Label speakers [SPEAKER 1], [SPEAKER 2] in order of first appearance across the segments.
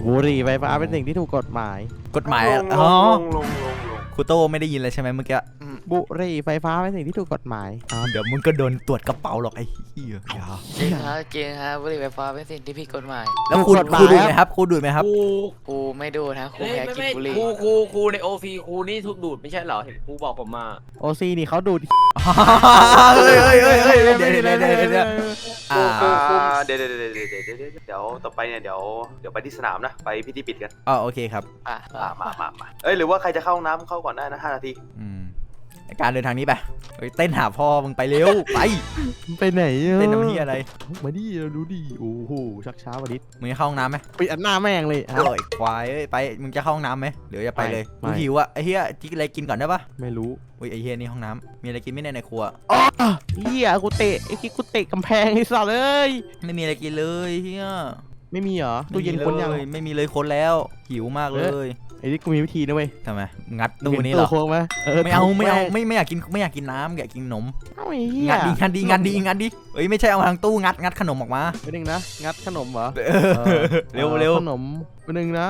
[SPEAKER 1] บุหรี่ไฟฟ้าเป็นสิ่งที่ถูกกฎหมาย
[SPEAKER 2] อ๋อ
[SPEAKER 3] ลง
[SPEAKER 2] ครูโต้ไม่ได้ยินเลยใช่ไหมเมื่อกี้
[SPEAKER 1] บุหรี่ไฟฟ้าเป็นสิ่งที่ถูกกฎหมาย
[SPEAKER 2] เดี๋ยวมึงก็โดนตรวจกระเป๋าหรอกไอ้เหี้ย
[SPEAKER 4] จริงฮะบุหรี่ไฟฟ้าเป็นสิ่งที่ผิดกฎหมาย
[SPEAKER 2] แล้วครูดูไหมครับครูดูไหมครับ
[SPEAKER 4] ครูไม่ดูนะครูแพ้กินบุหรี่
[SPEAKER 5] ครูในโอซีครูนี่ทุกดูดไม่ใช่เหรอเห็นครูบอกผมมา
[SPEAKER 1] โอซีนี่เขาดูด
[SPEAKER 2] เฮ้ยเดี๋ยว
[SPEAKER 3] เดี๋ยวต่อไปเนี่ยเดี๋ยวไปที่สนามนะไปพิธีปิดกัน
[SPEAKER 2] อ๋อโอเคครับ
[SPEAKER 3] มาหรือว่าใครจะเข้าห้องน้ำเข้าก่อนได้นะ5 นาที
[SPEAKER 2] การเดินทางนี้ไปเต้นหาพ่อมึงไปเร็ว
[SPEAKER 1] ไปไหน
[SPEAKER 2] เต้นน้ำเหี้ยอะไร
[SPEAKER 1] มาดิเราดูดิโอ้โหชักช้าวันนี้
[SPEAKER 2] มึงจะเข้าห้องน้ำไหม
[SPEAKER 1] ปิดอันหน้าแม่งเลย
[SPEAKER 2] โอ้ยควายไปมึงจะเข้าห้องน้ำไหมเดี๋ยวจะไปเลยกูหิวอ่ะไอ้เหี้ยที่อะไรกินก่อนได้ปะ
[SPEAKER 1] ไม่รู้
[SPEAKER 2] อุ้ยไอ้เหี้ยนี่ห้องน้ำมีอะไรกินไม่ในครัว
[SPEAKER 1] เหี้ยกูเตะไอ้คิดกูเตะกำแพงไอ้สัสเลย
[SPEAKER 2] ไม่มีอะไรกินเลยเหี้ย
[SPEAKER 1] ไม่มีเหรอตู้เย็นคนยัง
[SPEAKER 2] ไม่มีเลยคนแล้วหิวมากเลย
[SPEAKER 1] ไอ้นี่กูมีวิธีนะเว้ย
[SPEAKER 2] ทำไมงัดตู้นี้เหรอไม่เอาไม่อยากกินน้ำอยากกินขนมงัดดีเอ้ยไม่ใช่เอาทางตู้งัดขนมออกมา
[SPEAKER 1] ไปหนึ่งนะงัดขนมเหรอ
[SPEAKER 2] เร็ว
[SPEAKER 1] ขนมไปหนึ่งนะ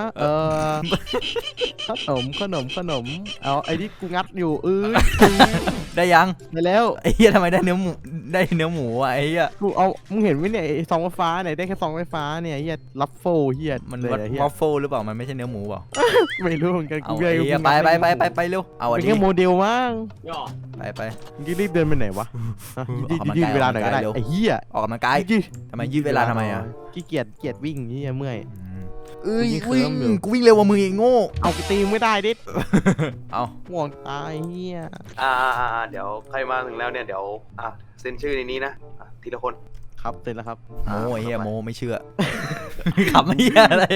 [SPEAKER 1] ขนมเอาไอ้นี่กูงัดอยู่
[SPEAKER 2] ได้ยัง
[SPEAKER 1] ได้แล้ว
[SPEAKER 2] ไอ้เหี้ยทำไมได้เนื้อหมูอ่ะไอ้เหี้ย
[SPEAKER 1] กูเอามึงเห็นไหมเนี่ยซองไฟฟ้าเนี่ยได้แค่ซองไฟฟ้าเนี่ยเหี้ยลัฟโฟเหี้ย
[SPEAKER 2] มันวัฟเฟิลหรือเปล่ามันไม่ใช่เนื้อหมูเปล่า
[SPEAKER 1] ไม่รู้เหมือนกัน
[SPEAKER 2] กูไปเร็วเอาอันนี้
[SPEAKER 1] เป็นแค่โมเดลมั้ง
[SPEAKER 2] ไป
[SPEAKER 1] มึงรีบเดินไปไหนวะยืดเวลาหน่อยก็ได้ไอ้เหี้ย
[SPEAKER 2] ออกกำลังกายทำไมยืดเวลาทำไมอ่ะ
[SPEAKER 1] ขี้เกียจวิ่งนี่เมื่อย
[SPEAKER 2] วิ่งกูวิ่งเร็วกว่ามึงเองโง่
[SPEAKER 1] เอากูตีไม่ได้ดิ
[SPEAKER 2] เอา
[SPEAKER 1] ห่วงตายเหี้ย
[SPEAKER 3] เดี๋ยวใครมาถึงแล้วเนี่ยเดี๋ยวเซ็นชื่อในนี้นะทีละคน
[SPEAKER 1] ครับเสร็จแล้วครับ
[SPEAKER 2] โมเฮียโมไม่เชื่อขับไม่เฮียอะไร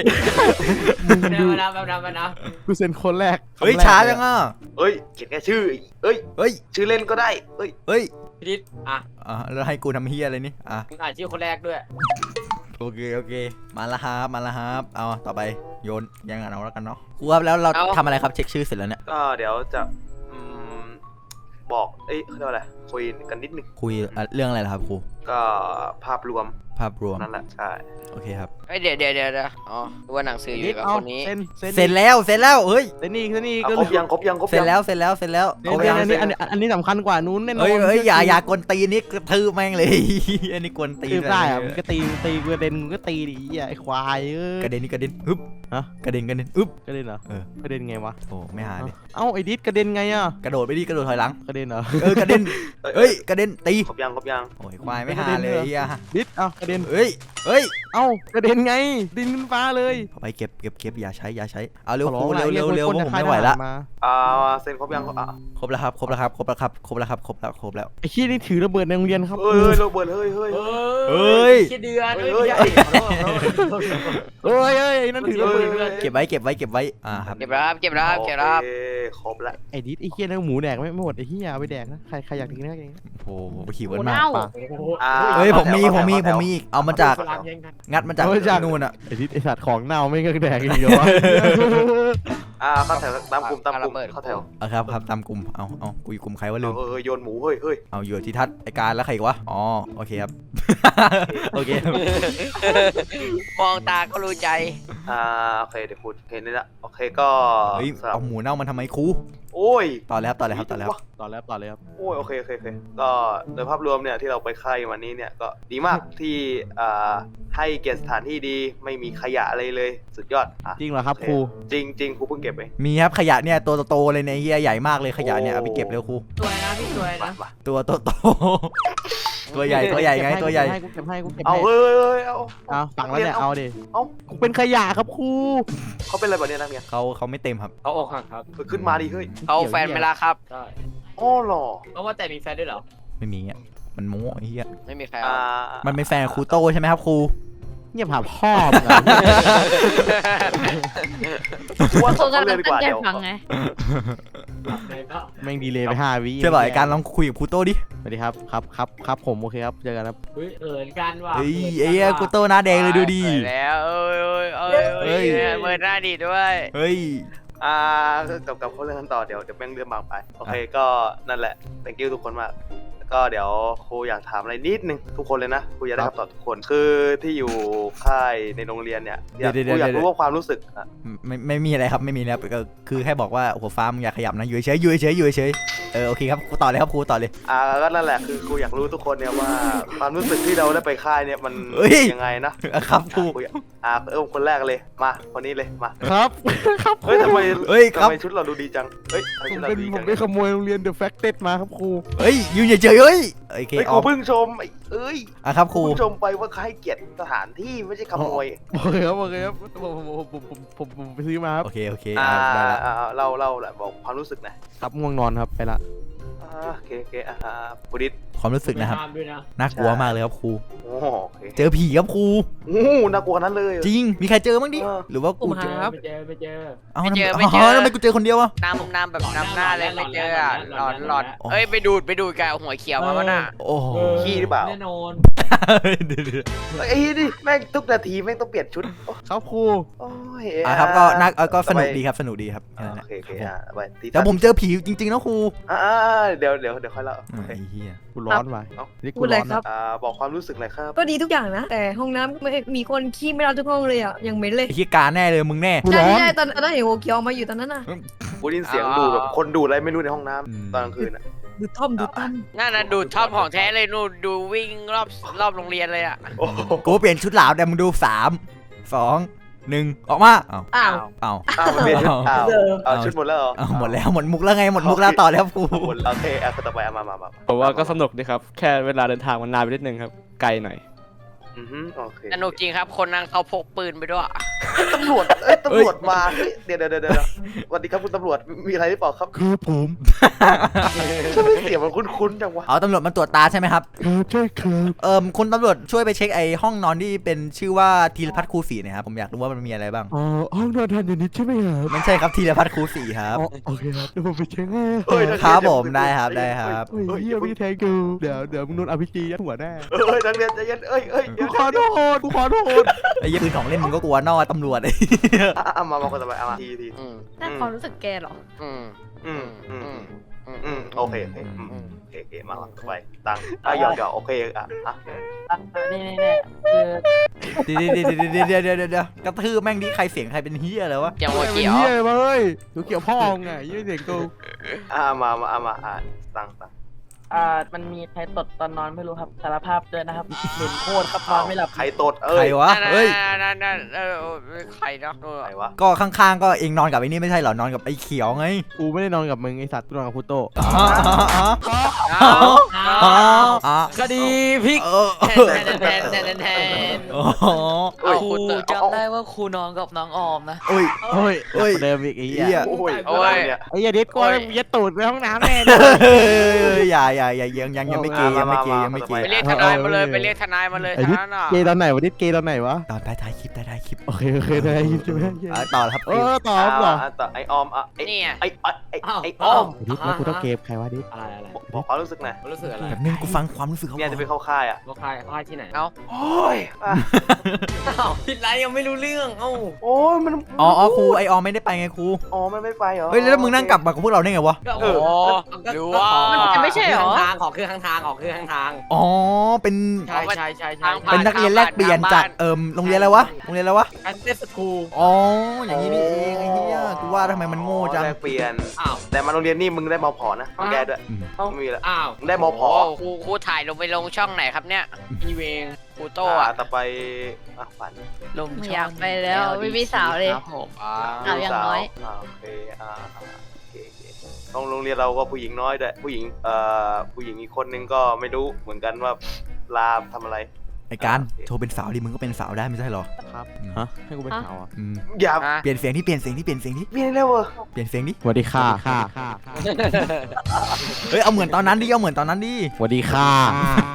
[SPEAKER 5] นะ
[SPEAKER 1] กูเซ็นคนแรก
[SPEAKER 2] เฮ้ยช้าจังอ่ะ
[SPEAKER 3] เขียนแค่ชื่อชื่อเล่นก็ได้
[SPEAKER 5] พี่ดิษ
[SPEAKER 2] แล้วให้กูทำเฮียอะไรนี่
[SPEAKER 5] มึงอ่านชื่อคนแรกด้วย
[SPEAKER 2] โอเคมาแล้วครับเอาต่อไปโยนยังเอาแล้วกันเนาะครูครับแล้วเราทำอะไรครับเช็คชื่อเสร็จแล้วเนี่ย
[SPEAKER 3] ก็เดี๋ยวจะบอกเขาเรียกว่าอะไรคุยกันนิดนึง
[SPEAKER 2] คุยเรื่องอะไรล่ะครับครู
[SPEAKER 3] ก็ภาพรวมนั่นแหละใช่
[SPEAKER 4] โอเคครับเดี๋ยวอ๋อว่าหนังสืออยู่กับคนนี้
[SPEAKER 2] เสร็จแล้วเฮ้ย
[SPEAKER 1] เซนนี่
[SPEAKER 3] ครบยัง
[SPEAKER 2] เสร็จแล้ว
[SPEAKER 1] อันนี้สำคัญกว่านู้นแน่นอน
[SPEAKER 2] เฮ้ยอย่ากวนตีนี่กระทืบแม่งเลยอันนี้กวนตี
[SPEAKER 1] ได้อะมึงก็ตีกระเด็นมึงก็ตีดิไอ้ควาย
[SPEAKER 2] กระเด็นฮึบกระเด็น
[SPEAKER 1] อึ๊บกระเด็นเหรอกระเด็นไงวะ
[SPEAKER 2] โอ้ไม่หาดิ
[SPEAKER 1] เอ้าไอ้ดิสกระเด็นไงอ่ะ
[SPEAKER 2] กระโดดไปดิกระโดดถอยหลัง
[SPEAKER 1] กระเด็นเหรอก
[SPEAKER 2] ระเด็นเฮ้ยกระเด็นตี
[SPEAKER 3] ครบยัง
[SPEAKER 2] โอ้ยควายไม่หาเลย
[SPEAKER 1] ดิสกระเด็น
[SPEAKER 2] เฮ้ย
[SPEAKER 1] เอ้ากระเด็นไงดินขึ้นฟ้าเลย
[SPEAKER 2] ไปเก็บอย่าใช้เอาเร็วผมไม่ไหวละ
[SPEAKER 3] เซ็นครบยัง
[SPEAKER 2] ครบแล้วครับไ
[SPEAKER 1] อ้ขี้นี่ถือระเบิดในโรงเรียนครับ
[SPEAKER 3] ระเบิดเ
[SPEAKER 2] ฮ้ย
[SPEAKER 5] เดือน
[SPEAKER 1] นั่นถือระเบิด
[SPEAKER 2] เก็บไว้
[SPEAKER 4] ครับเก็บรับ
[SPEAKER 3] ครบแล้ว
[SPEAKER 1] ไอ้ดิสไอ้ขี้นั่นหมูแดกไม่หมดไอ้ขี้ยาไปแดกนะใครอยากกินนะ
[SPEAKER 2] โอ้โหหิวมากเฮ้ยผมมีอีกเอามาจากงัดมาจากนู่นอ่ะ
[SPEAKER 1] ไอ้ดิสไอ้สัตว์ของเน่าไม่ก็แดกอีกเหรอวะ
[SPEAKER 3] เข้าแถวตามกลุ่มเข้าแถว
[SPEAKER 2] ครับตามกลุ่มเอากูอยู่กลุ่มใครวะลืม
[SPEAKER 3] โยนหมูเฮ้ย
[SPEAKER 2] เอาอยู่ที่ทัศไอการแล้วใครอีกวะอ๋อโอเคครับโอเค
[SPEAKER 4] มองตาก็รู้ใจ
[SPEAKER 3] โอเคเดี๋ยวพูดเห็นนี่ละโอเคก็
[SPEAKER 2] เอาหมูเน่ามันทำไมครู
[SPEAKER 3] โอ้ย
[SPEAKER 2] ต่อเลยครับ
[SPEAKER 3] โอ้ยโอเคก็โดยภาพรวมเนี่ยที่เราไปค่ายวันนี้เนี่ยก็ดีมากที่ให้เกียรติสถานที่ดีไม่มีขยะอะไรเลยสุดยอด
[SPEAKER 1] จริงเหรอครับครู
[SPEAKER 3] จริงครูเพิ่งเก็บไป
[SPEAKER 2] มีครับขยะเนี่ยตัวโตเลยเนี่ยเฮียใหญ่มากเลยขยะเนี่ยเอาไปเก็บเร็วครู
[SPEAKER 5] ตัวนะพี่ตัวนะ
[SPEAKER 2] ตัวโตตัวใหญ่ไงตัวใหญ่
[SPEAKER 1] กูเก็บให้
[SPEAKER 3] เอา
[SPEAKER 1] เอาฟังแล้วเนี่ยเอาดิกูเป็นขยะครับครู
[SPEAKER 3] เขาเป็นอะไรแบบนี้นักเรียน
[SPEAKER 2] เขาไม่เต็มครับ
[SPEAKER 5] เขาอกหักครับ
[SPEAKER 3] ขึ้นมาดิเฮ้ย
[SPEAKER 4] เขาแฟนเวลาครับ
[SPEAKER 5] ใช่
[SPEAKER 3] อ๋อหรอ
[SPEAKER 5] เพราะว่าแต่มีแฟนด้วยเหรอ
[SPEAKER 2] ไม่มีอ่ะมันโม้ไอ้เหี้ย
[SPEAKER 4] ไม่มีแฟน
[SPEAKER 2] มันเป็นแฟนครูโตใช่ไหมครับครู
[SPEAKER 1] เงียบหาพ่อ
[SPEAKER 3] ว่าเขาเลยดีกว่าเดี๋ยว
[SPEAKER 1] แม่งดีเลยไป5 วิ
[SPEAKER 2] ใช่ป่ะไอการลองคุยกับครูโตดิ
[SPEAKER 1] สวัสดีครับผมโอเคครับเจอกันครับ
[SPEAKER 5] กันว่ะ
[SPEAKER 2] เฮ้ยครูโตหน้าแดงเลยดูดิ
[SPEAKER 4] แล้วเปิดหน้าดีด้วย
[SPEAKER 2] เฮ้ย
[SPEAKER 3] กับเขาเรื่องกันต่อเดี๋ยวแม่งเรื่องบางไปโอเคก็นั่นแหละ thank you ทุกคนมากก็เดี๋ยวครูอยากถามอะไรนิดนึงทุกคนเลยนะครูอยากได้คำตอบทุกคนคือที่อยู่ค่ายในโรงเรียนเนี่ยครูอยากรู้ว่าความรู้สึก
[SPEAKER 2] ไม่มีอะไรครับไม่มีแล้วก็คือแค่บอกว่าหัวฟ้ามึงอย่าขยับนะอยู่เฉยอยู่เฉยอยู่เฉยโอเคครับครูต่อเลยครับครูต่อเลย
[SPEAKER 3] ก็นั่นแหละคือครูอยากรู้ทุกคนเนี่ยว่าความรู้สึกที่เราได้ไปค่ายเนี่ยมันยังไงนะครับ
[SPEAKER 2] ครู
[SPEAKER 3] คนแรกเลยมาคนนี้เลยมา
[SPEAKER 1] ครับครับ
[SPEAKER 3] เฮ้ยทำไม
[SPEAKER 2] ทำไม
[SPEAKER 3] ชุดเราดูดีจังเฮ้ย
[SPEAKER 1] ผมได้ขโมยโรงเรียน The Facted มาครับครู
[SPEAKER 2] อยู่เฉยโอเค
[SPEAKER 3] ครูเพิ่งชม
[SPEAKER 2] ครับครู
[SPEAKER 3] เพิ่งชมไปว่าให้เกียรติสถานที่ไม่ใช่ขโมย
[SPEAKER 1] โอเคครับผมไปซื้อมาครับ
[SPEAKER 2] โอเค
[SPEAKER 3] เราแหละบอกความรู้สึกนะครับ
[SPEAKER 1] ง่วงนอนครับไปละ
[SPEAKER 3] โอเคบุริศ
[SPEAKER 2] ความรู้สึกนะครับน่ากลัวมากเลยครับครูเจอผีครับครู
[SPEAKER 3] น่ากลัวนั้นเลย
[SPEAKER 2] จริงมีใครเจอบ้างดิหรือว่ากูเจอ
[SPEAKER 5] ไม่เจอ
[SPEAKER 4] ไม่เจอ
[SPEAKER 2] ทำไมกูเจอคนเดียวอะ
[SPEAKER 4] น้ำแบบน้ำหน้าเลยไม่เจอหลอนไปดูดกับหัวเขียวมาน่ะ
[SPEAKER 2] โอ้
[SPEAKER 3] ขี้หรือเปล่า
[SPEAKER 5] แน่นอน
[SPEAKER 3] ดิแม่งทุกนาทีแม่งต้องเปลี่ยนชุด
[SPEAKER 1] ครับครู
[SPEAKER 2] ครับก็สนุกดีครับ
[SPEAKER 3] โอเคไป
[SPEAKER 2] แต่ผมเจอผีจริงๆนะครู
[SPEAKER 3] เดี๋ยวค่อยเล่า
[SPEAKER 2] ไอ้เหี้ย
[SPEAKER 1] กูร้อนไป
[SPEAKER 6] พูดอะไรครับ
[SPEAKER 3] บอกความรู้สึกหน่อยครับ
[SPEAKER 6] ก็ดีทุกอย่างนะแต่ห้องน้ำไม่มีคนขี้ไม่รับทุกห้องเลยอ่ะยังเหม็นเลย
[SPEAKER 2] ไอ้เหี้ยการแน่เลยมึงแน่
[SPEAKER 6] ใช่ตอนนั้นเห็นโอเคียวมาอยู่ตอนนั้นน่ะ
[SPEAKER 3] กูได้ยินเสียงดูแบบคนดูอะไรไม่รู้ในห้องน้ำตอนกลางคืนอ่ะ
[SPEAKER 6] ดูท่อม
[SPEAKER 4] นั่นน่ะดูท่อมของแท้เลยนู่นดูวิ่งรอบโรงเรียนเลยอ่ะ
[SPEAKER 2] กูเปลี่ยนชุดหลาวแต่มึงดู3 2 1ออกมา
[SPEAKER 3] ชุดหมดแล้ว
[SPEAKER 2] หมดแล้วหมดมุกแล้วไงหมดมุกแล้วต่อแล้วครู
[SPEAKER 3] โอเคต่อไปมา
[SPEAKER 7] ผมว่าก็สนุกดีครับแค่เวลาเดินทางมันนานไปนิดนึงครับไกลหน่อย
[SPEAKER 4] สนุกจริงครับคนนั่งเขาพกปืนไปด้วย
[SPEAKER 3] ตำรวจมาเดี๋ยวสวัสดีครับคุณตำรวจมีอะไรหรือเปล่าครับ
[SPEAKER 1] คือผม
[SPEAKER 3] ช่วยเสียงมันคุ้นๆจังวะ
[SPEAKER 2] ตำรวจมาตรวจตาใช่ไหมครับ
[SPEAKER 1] ใช่ครับ
[SPEAKER 2] คุณตำรวจช่วยไปเช็คไอ้ห้องนอนที่เป็นชื่อว่าธีรพัฒน์ครูศรีนะครับผมอยากรู้ว่ามันมีอะไรบ้าง
[SPEAKER 1] ห้องนอนทันอย่างนี้ใช่ไหมครับ
[SPEAKER 2] ไม่ใช่ครับธีรพัฒน์ครูศรีครับ
[SPEAKER 1] โอเคครับเดี๋ยวผมไปเช็คให้
[SPEAKER 2] ครับผมได้ครับ
[SPEAKER 1] เฮียพี่แทงกูเดี๋ยวมึงโดน RPG ยัดหัวแน่
[SPEAKER 3] นักเรียนใจเย็น
[SPEAKER 1] กูขอโทษ
[SPEAKER 2] ไอ้ยี่ปืนของเล่นมึงก็กลัวนอตำรวจไอ้
[SPEAKER 3] มาคนต่อไปมาที
[SPEAKER 6] น่าความรู้สึกแกหรอ
[SPEAKER 3] โอเคมาไปตังหยอกโอเค
[SPEAKER 6] นี่
[SPEAKER 2] เดี๋ยวกระทืบแม่งดิใครเสียงใครเป็นเฮียเลยวะ
[SPEAKER 4] ยังหัวเขียว
[SPEAKER 1] เฮียเลยหัวเขียวพ่อไงยี่เสียงกู
[SPEAKER 3] มาตัง
[SPEAKER 8] มันมีใครตดตอนนอนไม่รู้ครับสารภาพด้วยนะครับเหม็นโคตรครับนอนไม่หลับ
[SPEAKER 3] ใครตด
[SPEAKER 2] ใครวะเฮ้ย
[SPEAKER 4] นั่นใครเนาะ
[SPEAKER 3] ใครวะ
[SPEAKER 2] ก็ข้างๆก็เองนอนกับไอ้นี่ไม่ใช่เหรอนอนกับไอ้เขียวไง
[SPEAKER 1] กูไม่ได้นอนกับมึงไอ้สัตว์กูนอนกับพุโต
[SPEAKER 5] คดีพลิก
[SPEAKER 4] ครูจำได้ว่าครูนอนกับน้องออมนะ
[SPEAKER 2] โอ้ย
[SPEAKER 1] เดิมอีกไอ้เหี้ยไอ้ยาดิสกูยัดตูดไปห้องน้ำแน่
[SPEAKER 2] อย่ายังไม่เกย์
[SPEAKER 4] ไปเรียกทนายมาเลยไปเรียกทนายมาเลย
[SPEAKER 1] เกย์ตอนไหนวะดิเกย์ตอนไหนวะ
[SPEAKER 2] ตอนท้ายคลิป
[SPEAKER 1] โอเคได้คลิปใช่ไหม
[SPEAKER 2] ต่อครับ
[SPEAKER 1] ต่อ
[SPEAKER 3] ไอออม
[SPEAKER 4] นี่
[SPEAKER 3] ไอออม
[SPEAKER 1] ดิแล้วกูต้องเก็บใครวะดิ
[SPEAKER 3] อะไรบอกความรู้สึกหน่อย
[SPEAKER 5] รู้สึกอะไร
[SPEAKER 2] แบบนึงกูฟังความรู้สึกเขา
[SPEAKER 3] เนี่ยจะไปเข้าค่าย
[SPEAKER 5] ค่ายที่ไหน
[SPEAKER 3] โอ้ย
[SPEAKER 4] ผิดไรยังไม่รู้เรื่อง
[SPEAKER 3] โอ้ยมัน
[SPEAKER 2] ครูไอออมไม่ได้ไปไงครู
[SPEAKER 3] มันไม่ไปเหรอ
[SPEAKER 2] เฮ้ยแล้วมึงนั่งกลับมากับพวกเราได้ไงวะ
[SPEAKER 4] หรือว่า
[SPEAKER 6] มันไม่ใช่เหรอ
[SPEAKER 5] ขอคือข้างทาง
[SPEAKER 2] เป็น
[SPEAKER 5] ใช่
[SPEAKER 2] เป็นนักเรียนแลกเปลี่ยนจากโรงเรียนอะไรวะ
[SPEAKER 5] อันเดสคู
[SPEAKER 2] อย่างนี้นี่เองไอ้เหี้ยกูว่าทำไมมันโง่จัง
[SPEAKER 3] แลกเปลี่ยนแต่มาโรงเรียนนี่มึงได้ม.ผ.นะแกด้วยไม่มีละได้ม.ผ.
[SPEAKER 4] ครูถ่ายลงช่องไหนครับเนี่ย
[SPEAKER 5] อีเวง
[SPEAKER 4] ครูโต้
[SPEAKER 3] ต่อไปฝัน
[SPEAKER 6] ลงอยากไปแล้วไม่มีสาวเลยสาวอย่างน้อย
[SPEAKER 3] โอเคโรงเรียนเราก็ผู้หญิงน้อยด้วยผู้หญิงอีกคนนึงก็ไม่รู้เหมือนกันว่าลาทำอะไร
[SPEAKER 2] ไอ้การโทรเป็นสาวดิมึงก็เป็นสาวได้ไม่ใช่หรอ
[SPEAKER 1] ครับให้กูเป็นสาว
[SPEAKER 3] อย่า
[SPEAKER 2] เปลี่ยนเสียงที่เปลี่ยนเ
[SPEAKER 3] ร็ว
[SPEAKER 2] เปลี่ยนเสียงดิ
[SPEAKER 1] สวัสดีค่ะ
[SPEAKER 2] เฮ้ยเอาเหมือนตอนนั้นดิ
[SPEAKER 1] สวัสดีค่ะ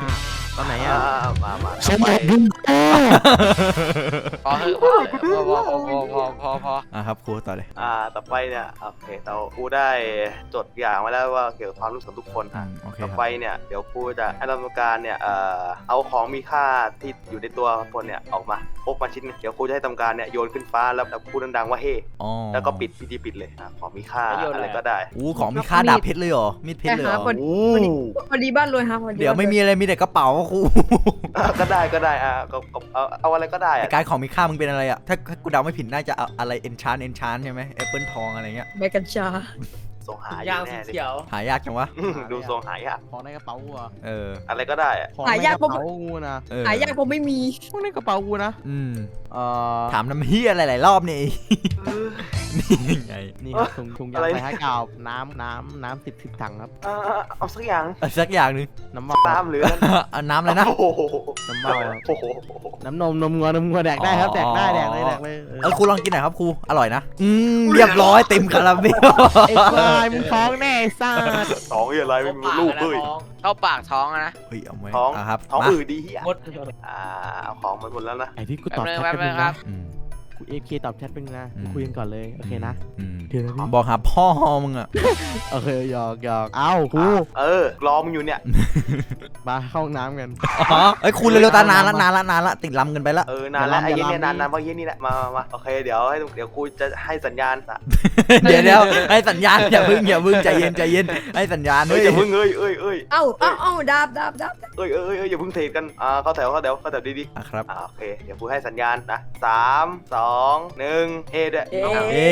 [SPEAKER 1] ตอนไหนอ่ะ
[SPEAKER 3] มา
[SPEAKER 1] สมบัติบุญ
[SPEAKER 4] พอเถอะพอ
[SPEAKER 2] ครับครูต่อเลย
[SPEAKER 3] ต่อไปเนี่ยโอเคเราครูได้จดอย่างไว้แล้วว่าเกี่ยวกับความรู้สึกทุกคน
[SPEAKER 2] โอเค
[SPEAKER 3] ต่อ
[SPEAKER 2] ครับ
[SPEAKER 3] ไปเนี่ยเดี๋ยวครูจะให้กรรมการเนี่ยเอาของมีค่าที่อยู่ในตัวคนเนี่ยออกมาพกมาชิ้นนึงเดี๋ยวครูจะให้กรรมการเนี่ยโยนขึ้นฟ้าแล้วพูดดังๆว่าเฮ้
[SPEAKER 2] อ๋อ
[SPEAKER 3] แล้วก็ปิดพิธีปิดเลยของมีค่าอะไรก็ได้
[SPEAKER 2] ของมีค่าดาบเพชรเลยเหรอมีดเพชรเลยเหรอ
[SPEAKER 6] พอดีบ้านรวยครับพอดี
[SPEAKER 2] เดี๋ยวไม่มีอะไรมีแต่กระเป๋าครู
[SPEAKER 3] ก็ได้ก็เอาอะไรก็ได้
[SPEAKER 2] การของมีค่ามึงเป็นอะไรอ่ะถ้ากูเดาไม่ผิดน่าจะเอาอะไรเอนชานใช่ไหมแอปเปิลทองอะไรเงี้ย
[SPEAKER 6] ใบกัญชา
[SPEAKER 3] ส่งหาอ
[SPEAKER 5] ย่าง
[SPEAKER 3] ยู่
[SPEAKER 5] สี
[SPEAKER 3] แน่เลย
[SPEAKER 5] เขียว
[SPEAKER 2] หายากจังวะ
[SPEAKER 3] ดูทรงหายาก
[SPEAKER 1] ของในกระเป๋ากูอะ
[SPEAKER 3] อะไรก็ได้
[SPEAKER 1] ของในกระเป๋ากูนะ
[SPEAKER 6] หายากผมไม่มี
[SPEAKER 1] ของในกระเป๋ากูนะ
[SPEAKER 2] ถามน้ำเฮียอะไรหลายรอบนี่ นี่ไง
[SPEAKER 1] นี่ครับถุงยางไปให้กาวน้ำ10ถังครับ
[SPEAKER 3] เอาสักอย่าง
[SPEAKER 2] สักอย่างหนึ่ง
[SPEAKER 1] น้ำมัน
[SPEAKER 3] ตามหรือ
[SPEAKER 2] น้ำอะไรนะ
[SPEAKER 3] โอ้โห
[SPEAKER 1] น้ำมัน
[SPEAKER 3] โอ้โห
[SPEAKER 1] น้ำนมงัวแดกได้ครับแดกได้แดกเลย
[SPEAKER 2] ครูลองกินหน่อยครับครูอร่อยนะเรียบร้อยเต็มคาราเมล
[SPEAKER 1] ไอ้ควายมึงท้องแน่ซ่า
[SPEAKER 3] ท้องอะไรไม่มีลูกเลย
[SPEAKER 4] เข้าปากท้องนะ
[SPEAKER 2] เฮ้ยเอาไว้
[SPEAKER 3] ท้อง
[SPEAKER 2] ครับ
[SPEAKER 3] ท้อง
[SPEAKER 2] มา
[SPEAKER 3] อืดดีเฮีย
[SPEAKER 5] หมด
[SPEAKER 3] เอาของมันหมดแล้วนะ
[SPEAKER 1] ไอ้ที่กูตอบแชท
[SPEAKER 4] แป๊บ
[SPEAKER 1] เป็น
[SPEAKER 4] นึงครั
[SPEAKER 1] นะ
[SPEAKER 4] บ
[SPEAKER 1] กูเอฟเคตอบแชทเป็นนะคุยกันก่อนเลยโอเคนะ เดี๋ยวนะพี่
[SPEAKER 2] บอกหาพ่อมึงอ่ะ
[SPEAKER 1] โอเคหยอกเอ้าครู
[SPEAKER 3] รอมึงอยู่เนี่ย
[SPEAKER 1] มาเข้าห้องน้ำกัน
[SPEAKER 2] เอ้ยครูเร็วๆตานานละติดลำกันไปละ
[SPEAKER 3] นานแล้วไอ้ยี่เนี่ยนานเพราะยี่นี่แหละมาโอเคเดี๋ยวกูจะให้สัญญาณ
[SPEAKER 2] เดี๋ยวให้สัญญาณอย่าพึ่งใจเย็นให้สัญญาณ
[SPEAKER 3] เฮ้ยอย่าพึ่งเอ้ย
[SPEAKER 6] เอ้าดาบ
[SPEAKER 3] อย่าพึ่งเทรดกันเข้าแถวดี
[SPEAKER 2] ครับ
[SPEAKER 3] โอเคเดี๋ยวกูให้สัญญาณนะ3 2 1เฮ้ด้วย
[SPEAKER 2] เย้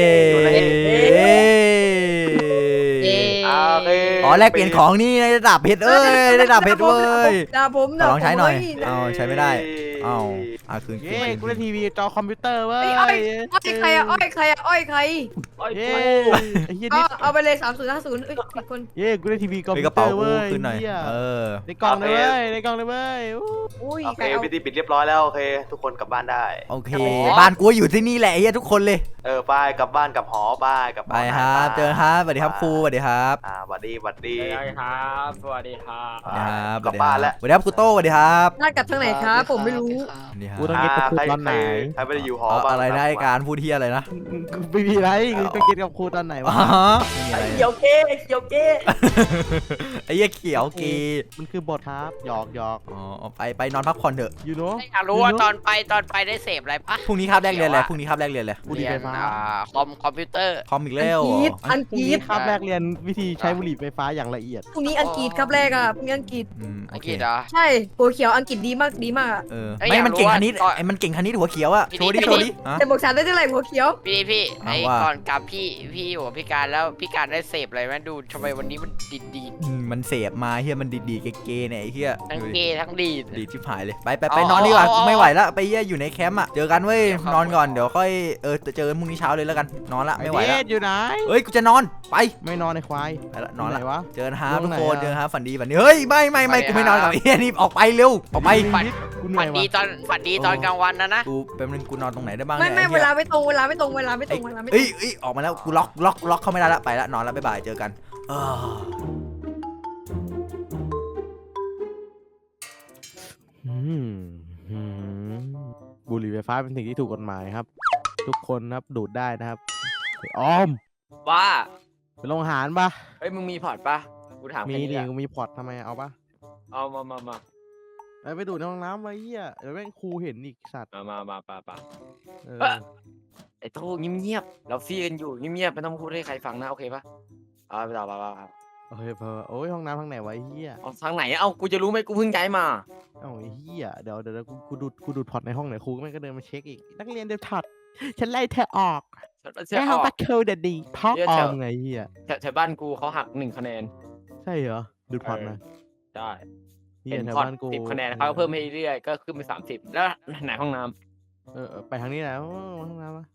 [SPEAKER 3] โอเค
[SPEAKER 2] อ๋อแลกเปลี่ยนของนี่ได้ดาบเพชรได้ดาบเพชรเว้ย
[SPEAKER 6] ดาบผม
[SPEAKER 2] ลองใช้หน่อยใช้ไม่ได้คืน
[SPEAKER 1] เย้กูได้ทีวีจอคอมพิวเตอร์เว้ย
[SPEAKER 6] อ้อยใครอ้อยใคร
[SPEAKER 1] เย้ไอ้เหี้ย
[SPEAKER 6] เอาไปเลย3050ผิดคน
[SPEAKER 1] เย้กูได้ทีวีคอม
[SPEAKER 2] ไป
[SPEAKER 1] พิ
[SPEAKER 2] ก
[SPEAKER 1] ว
[SPEAKER 2] ระ
[SPEAKER 1] เตอ
[SPEAKER 2] เป๋า
[SPEAKER 1] ร์
[SPEAKER 2] กู
[SPEAKER 1] เว้ย
[SPEAKER 2] ขึ้นหน่อย
[SPEAKER 1] ในกล่องเลยเว้ยในกล่องเลยเว้ย
[SPEAKER 6] อุ้ย
[SPEAKER 3] โอเคพิธีปิดเรียบร้อยแล้วโอเคทุกคนกลับบ้านได้
[SPEAKER 2] โอเคบ้านกูอยู่ที่นี่แหละทุกคนเลย
[SPEAKER 3] ไปกลับบ้านกับหอบ้านกับ
[SPEAKER 2] ไปครับเจอครับสวัสดีครับครูสวัสดีครับ
[SPEAKER 3] สวัสดี
[SPEAKER 5] สวัสดีครับสวัสดีครับ
[SPEAKER 3] กลับบ้านแล้ว
[SPEAKER 2] สวัสดีครับครูโต้สวัสดีครับ
[SPEAKER 6] บ้านกลับทางไหนครับผมไม่รู้
[SPEAKER 1] กูต้องเก็ตกับครูตอนไหน
[SPEAKER 3] ใครไม่ได้อยู่หอบ้าง
[SPEAKER 2] อะไรนะการพูดที่อะไรนะ
[SPEAKER 1] ไม่มีไรกูต้องเก็ตกับครูตอนไหนวะ
[SPEAKER 2] ไม่มีอะไร
[SPEAKER 8] เขียวเก้
[SPEAKER 2] ไอ้เหี้ยเขียวกี
[SPEAKER 1] มันคือบทครับหยอก
[SPEAKER 2] ไปนอนพักผ่อนเถอะ
[SPEAKER 1] you know
[SPEAKER 4] อยากรู้ว่าตอนไปได้เสพอะไรปะ
[SPEAKER 2] พรุ่งนี้คาบแรกเรียนเลยพรุ่งนี้คาบแรกเรียนเลย
[SPEAKER 1] บุหรี่ไฟฟ้า
[SPEAKER 4] คอมพิวเตอร์
[SPEAKER 2] คอมอีกแล้ว
[SPEAKER 6] อัง
[SPEAKER 1] พรุ่ง
[SPEAKER 6] กฤ
[SPEAKER 1] นี้
[SPEAKER 6] ษ
[SPEAKER 1] คาบแรกเรียนวิธีใช้บุหรี่ไฟฟ้าอย่างละเอียด
[SPEAKER 6] พรุ่งนี้อังกฤษครับแรกอ่ะพรุ่งนี้อังกฤษ
[SPEAKER 2] โอ
[SPEAKER 4] อัง
[SPEAKER 2] เค
[SPEAKER 4] กฤษเหรอ
[SPEAKER 6] ใช่หัวเขียวอังกฤษดีมาก
[SPEAKER 2] ไม่มันเก่งคณิตไอ้มันเก่งคณิตหัวเขียวอะโชว์ดิ
[SPEAKER 6] แต่บอกฉันได้เท่าไหร่หัวเขียว
[SPEAKER 4] พี่ไอ้ก่อนกลับพี่อยู่กับพี่การแล้วพี่การได้เสพอะไรไหมดูทำไมวันนี้มันดี
[SPEAKER 2] มันเสพมาเฮียมันดีๆเก๋ๆเนี่ยไอ้เฮีย
[SPEAKER 4] ทั้งเกย์ทั้งดีด
[SPEAKER 2] ดีชิบหายเลยไปนอนดีกว่าไม่ไหวแล้วไปเฮียอยู่ในแคมป์อะเจอกันเว้ยนอนก่อนเดี๋ยวค่อยเจอกันพรุ่งนี้เช้าเลยแล้วกันนอนละไม่ไหวแล้ว
[SPEAKER 1] อยู่ไหน
[SPEAKER 2] เฮ้ยกูจะนอนไป
[SPEAKER 1] ไม่นอนในควาย
[SPEAKER 2] ไปละนอนละ
[SPEAKER 1] วะ
[SPEAKER 2] เจอกันฮะทุกคนเจอฮะฝันดีเฮ้ยไม่กูไม่นอนกับไอ้เฮียนี่ออกไปเร็วออกไป
[SPEAKER 1] กูเหนื่
[SPEAKER 4] ฝั
[SPEAKER 1] อน ย
[SPEAKER 4] ดี
[SPEAKER 1] ว่ะ
[SPEAKER 4] ฝันดีตอนกลางวันนะ
[SPEAKER 2] กูแป๊บนึงกูนอนตรงไหนได้บ้าง
[SPEAKER 6] ไม่เวลาไม่ตรงเวลาไม่ตรง
[SPEAKER 2] เอ้ยออกมาแล้วกูล็อกเข้าไม่ได้ละไปละนอนละบ๊ายบายเจอกัน
[SPEAKER 1] บุหรี่ไฟฟ้าเป็นสิ่งที่ถูกกฎหมายครับ ทุกคนครับดูดได้นะครับออม
[SPEAKER 5] ว่า
[SPEAKER 1] ไปโรงอาหารปะ
[SPEAKER 5] เฮ้ยมึงมีพอร์ตปะกูถาม
[SPEAKER 1] มี
[SPEAKER 5] แค่
[SPEAKER 1] ดิ
[SPEAKER 5] นี้
[SPEAKER 1] กูมีพอร์ตทำไมเอาปะ
[SPEAKER 5] เอามา
[SPEAKER 1] ไปดูดในห้องน้ำไว้เหี้ยเดี๋ยวแม่งครูเห็นอีกสัตว์
[SPEAKER 5] มาปะ
[SPEAKER 1] เออ
[SPEAKER 5] ไอ้โต้เงียบเราฟรีกันอยู่เงียบไม่ต้องพูดให้ใครฟังนะโอเคปะไปต่อ
[SPEAKER 1] โอเคเพอโอ้ยห้องน้ำทางไหนวะไอ้เหี้ย
[SPEAKER 5] เอาทางไหนเอากูจะรู้ไหมกูเพิ่งย้ายมา
[SPEAKER 1] เอ้าไอ้เหี้ยเดี๋ยวกูดูดพอร์ตในห้องไหนครูก็ไม่ก็เดินมาเช็คอีกนักเรียนเดือดถอดฉันไล่เธอออก
[SPEAKER 5] เชื่อ
[SPEAKER 1] ไม่
[SPEAKER 5] อ
[SPEAKER 1] เอา
[SPEAKER 5] อก
[SPEAKER 1] บัตรเคลเด็ดดีพ่อออมไงเหี้ย
[SPEAKER 5] แถวบ้านกูเขาหัก1 คะแนน
[SPEAKER 1] ใช่เหรอดูดพอร์ตนะ
[SPEAKER 5] ได้
[SPEAKER 1] เหี้
[SPEAKER 5] เป็
[SPEAKER 1] ย
[SPEAKER 5] น
[SPEAKER 1] แถว
[SPEAKER 5] พอร์ต
[SPEAKER 1] บ้านกู
[SPEAKER 5] 10 คะแนนเขาก็เพิ่มให้เรื่อยๆก็ขึ้นไป30แล้วไหนห้องน้ำ
[SPEAKER 1] ไปทางนี้แหละห้องน้ำมา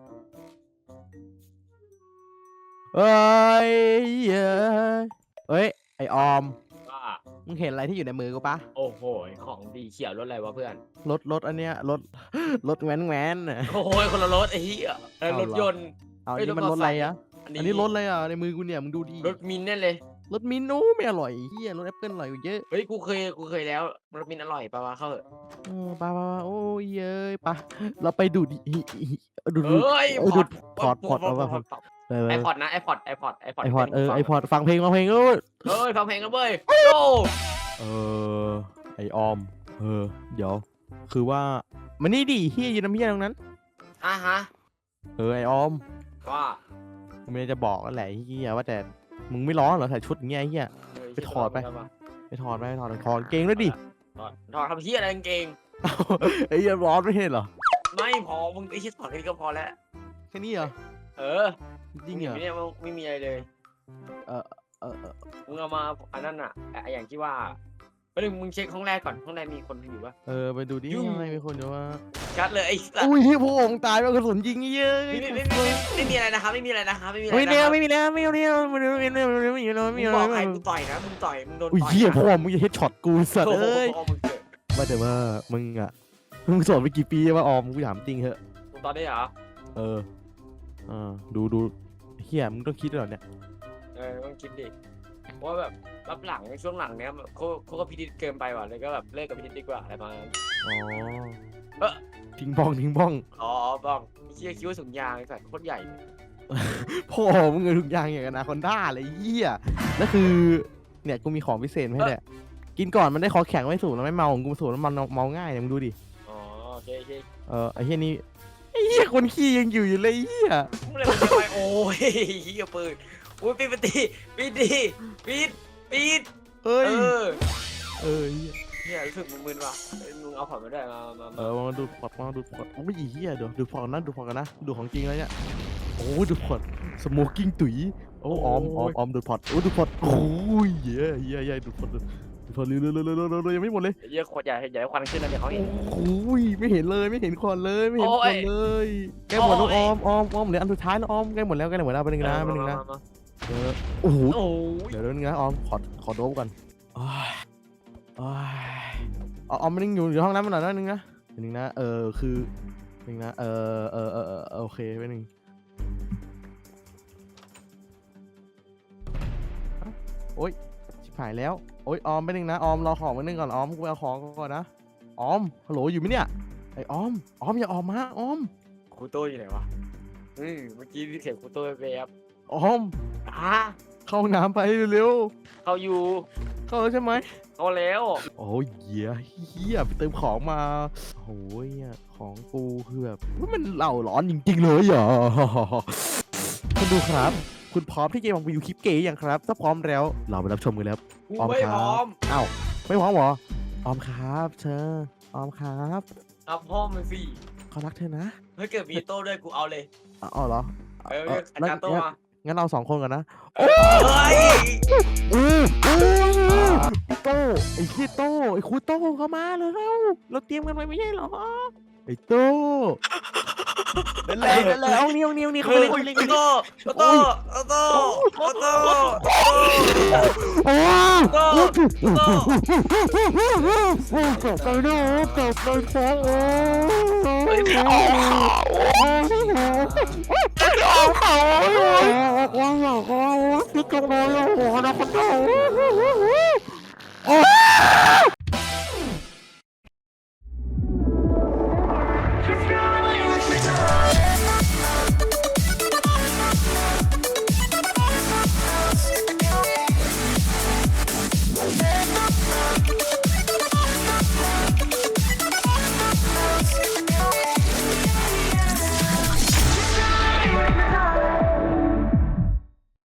[SPEAKER 1] เอ้ยไอออม
[SPEAKER 5] ว่า
[SPEAKER 1] มึงเห็นอะไรที่อยู่ในมือกูปะ
[SPEAKER 5] โอ้โหของดีเขียวรถอะไรวะเพื่อน
[SPEAKER 1] รถอันเนี้ยรถแว้นน่ะ
[SPEAKER 5] โอ้โหคนละรถไอ้เหี้ยรถยนต์
[SPEAKER 1] เอา
[SPEAKER 5] เฮ้ย
[SPEAKER 1] นี่มัน
[SPEAKER 5] ร
[SPEAKER 1] ร
[SPEAKER 5] ถ
[SPEAKER 1] ถ
[SPEAKER 5] มอเตอร์ไซค์
[SPEAKER 1] อะไรอะอันนี้รถอะไรอ่ะในมือกูเนี่ยมึงดูดิ
[SPEAKER 5] รถมินแน่เลย
[SPEAKER 1] รสมิ้นท์โอ้ไม่อร่อยเฮียรสแอปเปิ้ลอร่อยกว่าเยอะ
[SPEAKER 5] เฮ้ยกูเคยแล้วรสมินอร่อยปะวะเข้าเถอะ
[SPEAKER 1] ปะโอ้ยเย้ยปะเราไปดูดดูด
[SPEAKER 5] เฮ้ย
[SPEAKER 1] ดูดพอร์ตเอาป่ะ
[SPEAKER 5] ไอพอร์ตนะไอพอร์ต
[SPEAKER 1] ไอพอร์ตไอพอร์ตฟังเพลงเออ
[SPEAKER 5] เฮ้ยฟังเพลงกันเว้ยโอ้
[SPEAKER 1] ไอออมเดี๋ยวคือว่ามันนี่ดิเฮียยืนน้ำเฮียตรงนั้น
[SPEAKER 5] ฮะ
[SPEAKER 1] ไอออม
[SPEAKER 5] ว่า
[SPEAKER 1] กูไม่ได้จะบอกนั่นแหละเฮียว่าแต่มึงไม่ร้อนเหรอใส่ชุดอย่างเงี้ยเฮีย ไปถอดไป ไปถอดเกงด้วยดิ
[SPEAKER 5] ถอดทำเฮียอะไรกางเกง
[SPEAKER 1] ไอ้เฮียร้อนไม่เห็นเหรอ
[SPEAKER 5] ไม่พอมึงไอ้เฮียถอดแค่นี้ก็พอแล้ว
[SPEAKER 1] แค่นี้เหรอ
[SPEAKER 5] เออ
[SPEAKER 1] จริงเหรอ
[SPEAKER 5] เนี่ยไม่มีอะไรเลย
[SPEAKER 1] เออ
[SPEAKER 5] มึงเอามาอันนั้นอ่ะอย่างที่ว่าไปดึงมึงเช็คห้องแรกก่อนห้องแรกมีคนอยู่ปะ
[SPEAKER 1] ไปดูดิยังไงมีคนดูว่า
[SPEAKER 5] ชัดเลยไอ้สัส
[SPEAKER 1] อุ้ยพวกองตายแล้วกระสุนยิงเยอะ
[SPEAKER 5] ไม่มีอะไรนะครับไม่มีอะไรนะครับไม่มีอะไร
[SPEAKER 1] ไม่
[SPEAKER 5] นะ
[SPEAKER 1] เนี
[SPEAKER 5] ค
[SPEAKER 1] ย
[SPEAKER 5] รับ
[SPEAKER 1] ไม่มีแล้วไม่เอาแล้วไม่เอาแล้วไม่เอาแล้วไม่เอาแล้วไม่
[SPEAKER 5] มึง
[SPEAKER 1] เอา
[SPEAKER 5] บอกใคร
[SPEAKER 1] แล้ว
[SPEAKER 5] มึงต่อยนะมึงต่อยมึงโดน
[SPEAKER 1] อุ้ย
[SPEAKER 5] ต่อย
[SPEAKER 1] เหี้ยพ่อมึงจะเฮ็ดช็อตกูสัตว์
[SPEAKER 5] โอ้โห
[SPEAKER 1] เอ้ย
[SPEAKER 5] มึงเกิด
[SPEAKER 1] ว่าแต่ว่ามึงสอนไปกี่ปีว่าออมกูถามจริงเหอะ
[SPEAKER 5] มึงตอนนี้เหรอ
[SPEAKER 1] ดูเฮียมึงต้องคิดด้วยเหรอเนี่ย
[SPEAKER 5] ต้องคิดดิว่าแบบรับหลังในช่วงหลังเนี้ยเขาก็พิจิตเกินไปว่ะเลยก็แบบเลิกกับพิจิตดีกว่าอะไรประมาณนั้น
[SPEAKER 1] ทิ้งบ้อง
[SPEAKER 5] อ๋อบ้องเชี่ยคิ้วสูงยางไอ้สัตว์โคตรใหญ่
[SPEAKER 1] พ่อมึงเงินทุกอย่างอย่างอนาคอนด้าเลยเหี้ยแล้วคือเนี่ยกูมีของพิเศษมาให้แหละกินก่อนมันได้คอแข็งไม่สูบแล้วไม่เมาของกูสูบแล้วมันเมาง่ายเนี่ยมึงดูดิ
[SPEAKER 5] อ๋อโอเค
[SPEAKER 1] ไอ้เหี้ยนี่ไอ้เหี้ยคนขี้ยังอยู่เลยเหี้ย
[SPEAKER 5] มึงเลยมันจะไปโอ้ยเหี้ยปืนอุ้ยปิดปิด
[SPEAKER 1] เอ้ย
[SPEAKER 5] เออ
[SPEAKER 1] เหี้ย
[SPEAKER 5] เนี่ยรู้สึกมึนๆว่ะมึงเอาผ่อนมาด้วยมา
[SPEAKER 1] มาดูพอร์ตโอ้ยเหี้ยเดี๋ยวดูพอร์ตนะดูของจริงแล้วเนี่ยโอ้ดูพอร์ตสโมกิ้งตุ๋ยโอ้ออมดูพอร์ตดูพอร์ตโอ้ยเหี้ยดูพอร์ตเร็วยังไม่หมดเลย
[SPEAKER 5] เหี้ยขวดใหญ่ควันขึ้นแล้วเดี๋ยวเขาเห็น
[SPEAKER 1] โอ้ยไม่เห็นเลยไม่เห็นควันเลยไม่เห็นควันเลยใกล้หมดแล้วออมเหลืออันสุดท้ายแล้วออมใกล้หมดแล้วไปหนึ่งนะโอ้โห
[SPEAKER 5] โอ้ย
[SPEAKER 1] เดี๋ยวนึงนะออมขอโดบก่อนออมมันยังอยู่ห้องน้ำมันหน่อยนึงนะคือนึงนะโอเคไปหนึ่งโอ๊ยชิบหายแล้วโอ๊ยออมไปหนึ่งนะออมรอของไปหนึ่งก่อนออมกูเอาของก่อนนะออมฮัลโหลอยู่ไหมเนี่ยไอออมอย่าออกมาออม
[SPEAKER 5] ครูโต้อยู่ไหนวะเมื่อกี้เสียงครูโต้ไปครับ
[SPEAKER 1] ออมเข้าห้องน้ำไปเร็ว
[SPEAKER 5] เขาอยู่
[SPEAKER 1] เข้าแล้วใช่ไหม
[SPEAKER 5] เขาแล้ว
[SPEAKER 1] โอ้ยเหี้ยไปเติมของมาโอ้ยของกูคือแบบมันเหล่าร้อนจริงๆเลยเหรอคุณดูครับ คุณพร้อมที่จะมองไปดูคลิปเก๋ยังครับถ้าพร้อมแล้วเราไปรับชมกันแล้ว
[SPEAKER 5] กูไม่พร้อม
[SPEAKER 1] อ้าวไม่พร้อมเหรอออมครับเธอออมครับ
[SPEAKER 5] เอาพ่อมันสิ
[SPEAKER 1] เขารักเธอนะ
[SPEAKER 5] ถ้าเกิดมีโต้ด้วยกูเอาเลย
[SPEAKER 1] อ๋อเหรอ
[SPEAKER 5] อาจารย์โต้มา
[SPEAKER 1] งั้นเรา2 คนก่อนนะ
[SPEAKER 5] เฮ้ย
[SPEAKER 1] โต้ไอ้ขี้โต้ไอ้ครูโต้เข้ามาเลยเราเตรียมกันไว้ไม่ใช่เหรอไอ้โต้นั่นแหละเอานี่เขาไปเล่น
[SPEAKER 5] โต้โต้โต้โต้
[SPEAKER 1] โอ้
[SPEAKER 5] โต้
[SPEAKER 1] ตกไปด้วยตกไปท้องโอ้ย